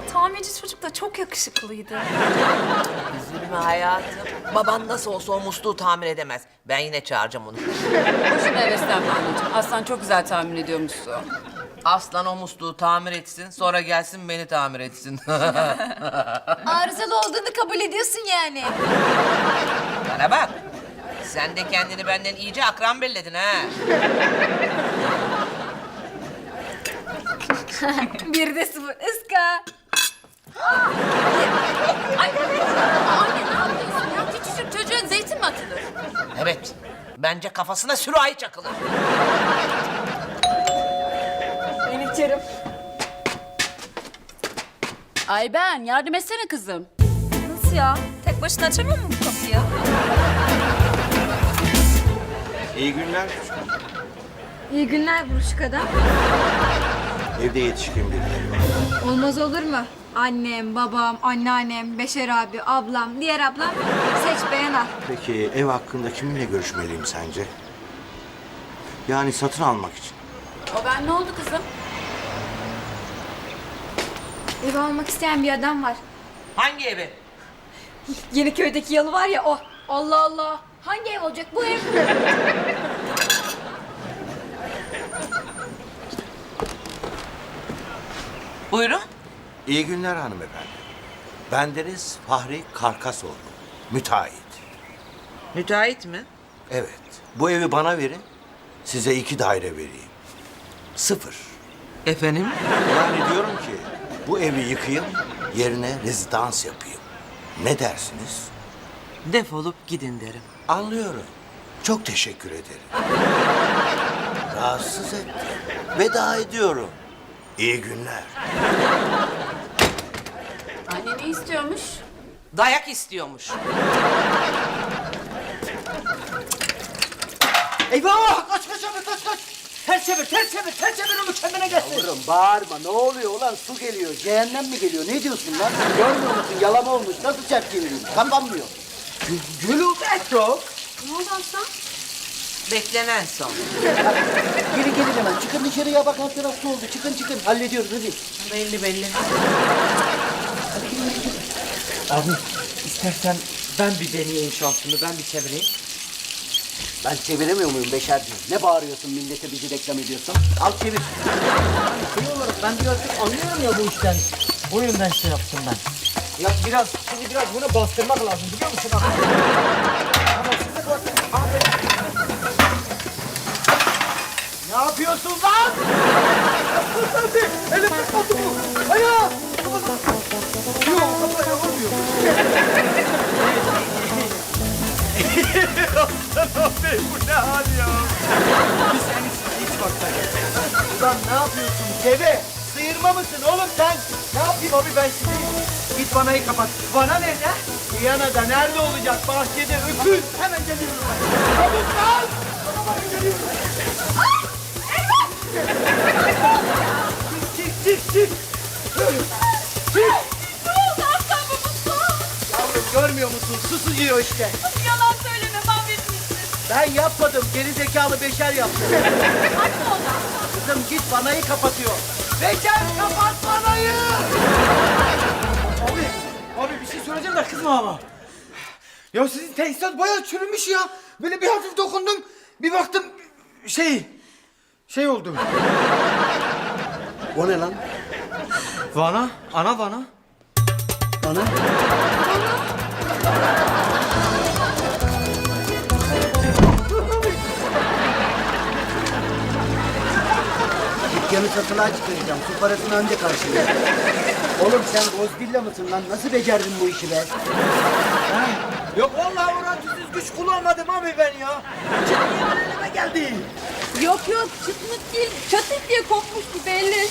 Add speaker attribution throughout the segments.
Speaker 1: tamirci çocuk da çok yakışıklıydı.
Speaker 2: Üzülme hayatım. Baban nasıl olsa o musluğu tamir edemez. Ben yine çağıracağım onu.
Speaker 3: Boşuna heveslenme anneciğim. Aslan çok güzel tahmin ediyormuşsun.
Speaker 2: Aslan o musluğu tamir etsin, sonra gelsin beni tamir etsin.
Speaker 4: Arızalı olduğunu kabul ediyorsun yani.
Speaker 2: Bana bak. Sen de kendini benden iyice akran belledin ha.
Speaker 4: Bir de sıfır ıska.
Speaker 3: Anne ne yapıyorsun ya? Küçücük çocuğa zeytin mi atılır?
Speaker 2: Evet. Bence kafasına sürahi çakılır.
Speaker 4: Ben içerim.
Speaker 3: Ay ben yardım etsene kızım.
Speaker 1: Nasıl ya? Tek başına açamıyor mu bu kapıyı?
Speaker 5: İyi günler.
Speaker 4: İyi günler buruşuk adam.
Speaker 5: Evde yetişkin birileri var.
Speaker 4: Olmaz olur mu? Annem, babam, anneannem, Beşer abi, ablam, diğer ablam. Seç beğen al.
Speaker 5: Peki ev hakkında kiminle görüşmeliyim sence? Yani satın almak için.
Speaker 3: O ben ne oldu kızım?
Speaker 4: Ev almak isteyen bir adam var.
Speaker 2: Hangi evi?
Speaker 4: Yeniköy'deki yalı var ya o. Allah Allah. Hangi ev olacak bu ev?
Speaker 2: Buyurun.
Speaker 5: İyi günler hanımefendi. Bendeniz Fahri Karkasoğlu. Müteahhit.
Speaker 2: Müteahhit mi?
Speaker 5: Evet. Bu evi bana verin. Size 2 daire vereyim. 0.
Speaker 2: Efendim?
Speaker 5: Yani diyorum ki bu evi yıkayım, yerine rezidans yapayım. Ne dersiniz?
Speaker 2: Defolup gidin derim.
Speaker 5: Anlıyorum. Çok teşekkür ederim. Rahatsız ettim. Veda ediyorum. İyi günler.
Speaker 3: Anne ne istiyormuş?
Speaker 2: Dayak istiyormuş.
Speaker 6: Eyvah! Kaç kaç abi kaç kaç! Ters çevir, ters çevir, ters çevir onu kendine gelsin.
Speaker 7: Yavrum bağırma ne oluyor ulan su geliyor cehennem mi geliyor ne diyorsun lan görmüyor musun yalama olmuş nasıl çarp çevireyim kapanmıyor.
Speaker 6: Gülüberto!
Speaker 4: Ne oldu aslan?
Speaker 2: Beklenen son.
Speaker 7: Gelin hemen çıkın dışarıya bak alt taraf su oldu çıkın hallediyoruz hadi.
Speaker 2: Belli belli.
Speaker 6: Abi istersen ben bir deneyeyim şansımı, ben bir çevireyim.
Speaker 7: Ben çeviremiyor muyum Beşerciğim ne bağırıyorsun millete bizi reklam ediyorsun al çevir.
Speaker 6: Şey olarak ben birazcık anlıyorum ya bu işten. O yüzden şey yaptım ben. Ya şimdi biraz bunu bastırmak lazım biliyor musun? Tamam, size bak. Ne yapıyorsun lan? Hadi, elim tutmadı bu. Ayağı. Yok, kafaya vurmuyor. Aslan abi, bu ne hal ya? Biz en iyisi hiç bakmayalım. Ulan ne yapıyorsun deve? Sıyırma mısın oğlum sen? Ne yapayım abi ben şimdi? Git vanayı kapat. Vana nerede? Viyana'da nerede olacak? Bahçede öküz. Hemen geliyorum ben. Çabuk lan! Hemen geliyorum. Ay! Eyvah! Çık! Çık!
Speaker 4: Ne oldu aslan babası?
Speaker 6: Yavrum görmüyor musun? Su sıcıyor işte.
Speaker 4: Yalan söyleme mahvetmişsin.
Speaker 6: Ben yapmadım. Geri zekalı Beşer yaptı.
Speaker 4: Hadi oradan.
Speaker 6: Kızım git vanayı kapatıyor. Beşer kapat vanayı! Abi bir şey söyleyeceğim de kızma ama. Ya sizin tesisat bayağı çürümüş ya. Böyle bir hafif dokundum. Bir baktım şey oldu.
Speaker 7: O ne lan?
Speaker 6: Vana, ana vana.
Speaker 7: Bana? Dükkanı satılığa çıkaracağım. Su parasını önce karşılayacağım. Oğlum sen Godzilla mısın lan? Nasıl becerdin bu işi be?
Speaker 6: Yok vallahi orantısız güç kullanmadım abi ben ya. Çıkmayan elime geldi.
Speaker 4: Yok çıtmıt değil. Çatık diye kopmuştu belli.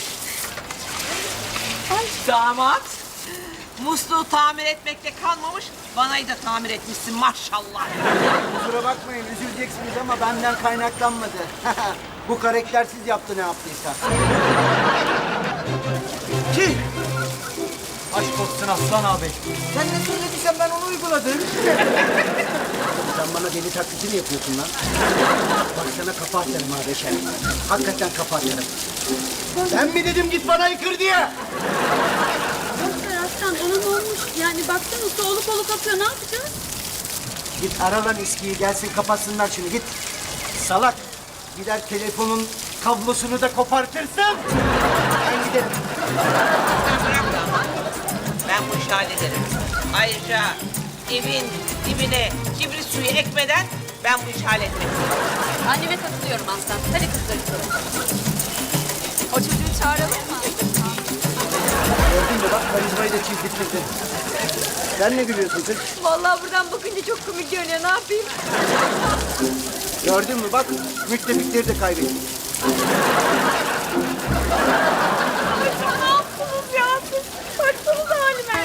Speaker 2: Damat. Musluğu tamir etmekte kalmamış, vanayı da tamir etmişsin maşallah.
Speaker 7: Kusura bakmayın üzüleceksiniz ama benden kaynaklanmadı. Bu karaktersiz yaptı ne yaptıysa.
Speaker 6: Ki. Aşk olsun Aslan abi. Sen ne söylediysen ben onu uyguladım.
Speaker 7: Sen bana deli taklidi mi yapıyorsun lan? Bak sana kafa atarım ha Beşer. Hakikaten kafa atarım. Ben mi dedim git bana yıkır diye?
Speaker 3: Abi baksana su oluk oluk akıyor. Ne yapacağız?
Speaker 7: Git ara lan eskiyi gelsin kapatsınlar şunu git. Salak. Gider telefonun kablosunu da kopartırsın. Ben giderim.
Speaker 2: Sen bırak da ama. Ben bu işi hallederim. Ayrıca evin dibine kibrit suyu ekmeden ben bu işi halletmek istiyorum.
Speaker 3: Anneme katılıyorum Aslan. Hadi kızlar gidelim.
Speaker 1: O çocuğu çağıralım mı?
Speaker 7: Gördün mü bak karizmayı da çizdirtmedi. Sen ne gülüyorsun kız?
Speaker 4: Vallahi buradan bakınca çok komik görünüyor. Ne yapayım?
Speaker 7: Gördün mü bak müttefikleri de kaybettik.
Speaker 4: Ne yaptınız ya siz? Baksanıza halime.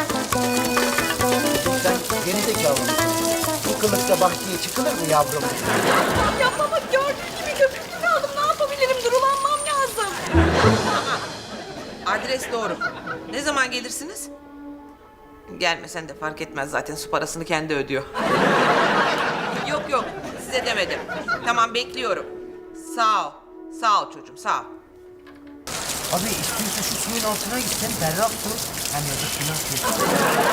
Speaker 7: Sen geri zekalı mısın? Bu kılıkta bahçeye çıkılır mı yavrum?
Speaker 4: Ya baba gördüğün gibi köpüklü kaldım. Ne yapabilirim? Durulanmam lazım.
Speaker 2: Adres doğru. Ne zaman gelirsiniz? Gelmesen de fark etmez zaten su parasını kendi ödüyor. Yok size demedim. Tamam bekliyorum. Sağ ol. Sağ ol çocuğum sağ ol.
Speaker 7: Abi istiyorsa şu suyun altına gitsen berrak su. Hem ya da suyun altına.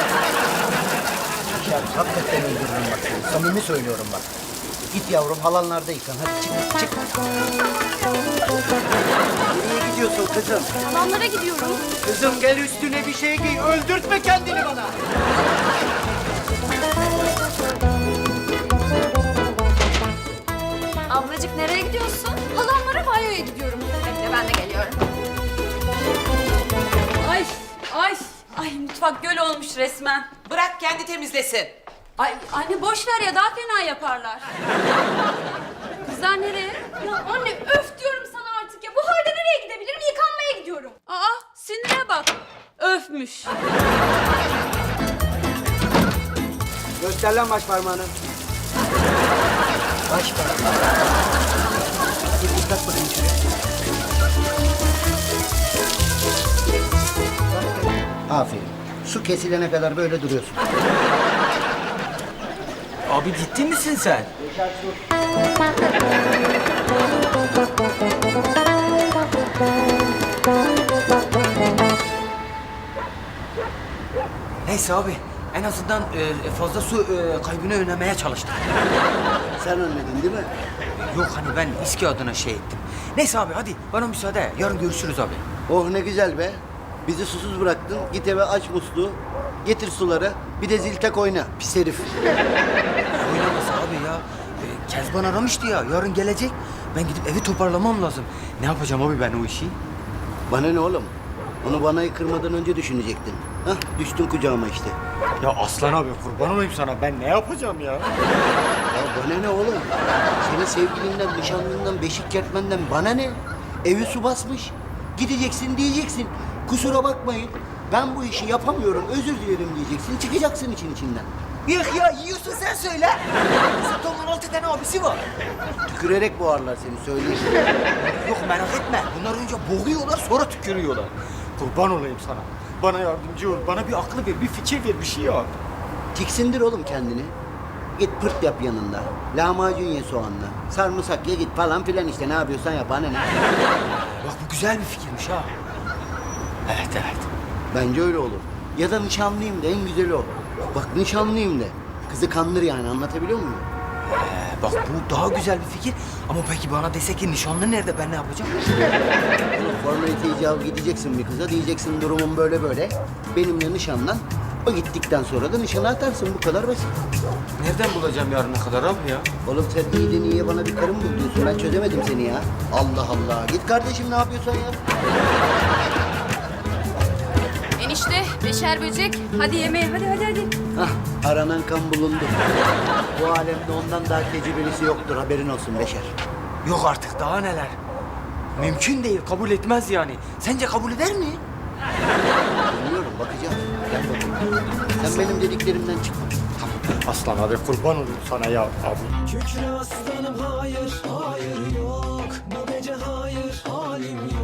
Speaker 7: Ya hakikaten öldürürüm bak seni. Samimi söylüyorum bak. Git yavrum halanlarda yıkan. Hadi çık. Nereye gidiyorsun kızım?
Speaker 3: Halamlara gidiyorum.
Speaker 7: Kızım gel üstüne bir şey giy. Öldürtme kendini bana.
Speaker 1: Ablacık nereye gidiyorsun?
Speaker 3: Halamlara banyoya gidiyorum.
Speaker 1: Bekle ben de geliyorum.
Speaker 3: Ay mutfak göl olmuş resmen.
Speaker 2: Bırak kendi temizlesin.
Speaker 3: Ay anne boş ver ya daha fena yaparlar. Kızlar nereye? Ya anne öf diyorum sana artık ya. Bu halde nereye gidebilirim? Yıkanmaya gidiyorum. Aa sinire bak. Öfmüş.
Speaker 7: Göster lan baş parmağını. Baş parmağını. Git tak bakayım şuraya. Aferin. Su kesilene kadar böyle duruyorsun.
Speaker 6: Abi ciddi misin sen? Neyse abi en azından fazla su kaybını önlemeye çalıştım.
Speaker 7: Sen önledin değil mi?
Speaker 6: Yok hani ben İSKİ adına şey ettim. Neyse abi hadi bana müsaade. Yarın görüşürüz abi.
Speaker 7: Oh ne güzel be. Bizi susuz bıraktın. Git eve aç musluğu. Getir suları. Bir de zil tak oyna. Pis herif.
Speaker 6: Oynaması abi ya. Kezban aramıştı ya. Yarın gelecek. Ben gidip evi toparlamam lazım. Ne yapacağım abi ben o işi?
Speaker 7: Bana ne oğlum? Onu bana kırmadan önce düşünecektin. Hah düştün kucağıma işte.
Speaker 6: Ya Aslan abi kurban olayım sana. Ben ne yapacağım ya?
Speaker 7: Ya bana ne oğlum? Senin sevgilinden, nişanlından, beşik kertmenden bana ne? Evi su basmış. Gideceksin diyeceksin. Kusura bakmayın. Ben bu işi yapamıyorum. Özür dilerim diyeceksin. Çıkacaksın için içinden.
Speaker 6: Yok ya yiyorsun sen söyle. Satonun 6 tane abisi var.
Speaker 7: Tükürerek boğarlar seni söyleyeyim.
Speaker 6: Yok merak etme. Bunlar önce boğuyorlar sonra tükürüyorlar. Kurban olayım sana. Bana yardımcı ol. Bana bir aklı ver, bir fikir ver, bir şey yap.
Speaker 7: Tiksindir oğlum kendini. Git pırt yap yanında. Lahmacun ye soğanla. Sarımsak ye git falan filan işte. Ne yapıyorsan yap. Bana ne?
Speaker 6: Bak bu güzel bir fikirmiş ha. Evet.
Speaker 7: Bence öyle olur. Ya da nişanlıyım de en güzeli o. Bak nişanlıyım de. Kızı kandır yani anlatabiliyor muyum?
Speaker 6: Bak bu daha güzel bir fikir. Ama peki bana dese ki nişanlı nerede ben ne yapacağım?
Speaker 7: Formalite icabı gideceksin bir kıza diyeceksin durumum böyle böyle. Benimle nişanlan. O gittikten sonra da nişanı atarsın bu kadar basit.
Speaker 6: Nereden bulacağım yarına kadar abi ya?
Speaker 7: Oğlum sen iyiden iyiye bana bir karım bul diyorsun. Ben çözemedim seni ya. Allah Allah. Git kardeşim ne yapıyorsan yap.
Speaker 3: Enişte beşer böcek. Hadi yemeğe hadi.
Speaker 7: Hah aranan kan bulundu. Bu alemde ondan daha tecrübelisi yoktur haberin olsun Beşer.
Speaker 6: Yok artık daha neler. Mümkün değil kabul etmez yani. Sence kabul eder mi?
Speaker 7: Bilmiyorum bakacağım. Gel bakayım. Sen benim dediklerimden çıkma.
Speaker 6: Aslan abi kurban olayım sana ya abi.
Speaker 8: Kükre aslanım hayır, hayır yok. Bu gece hayır, halim yok.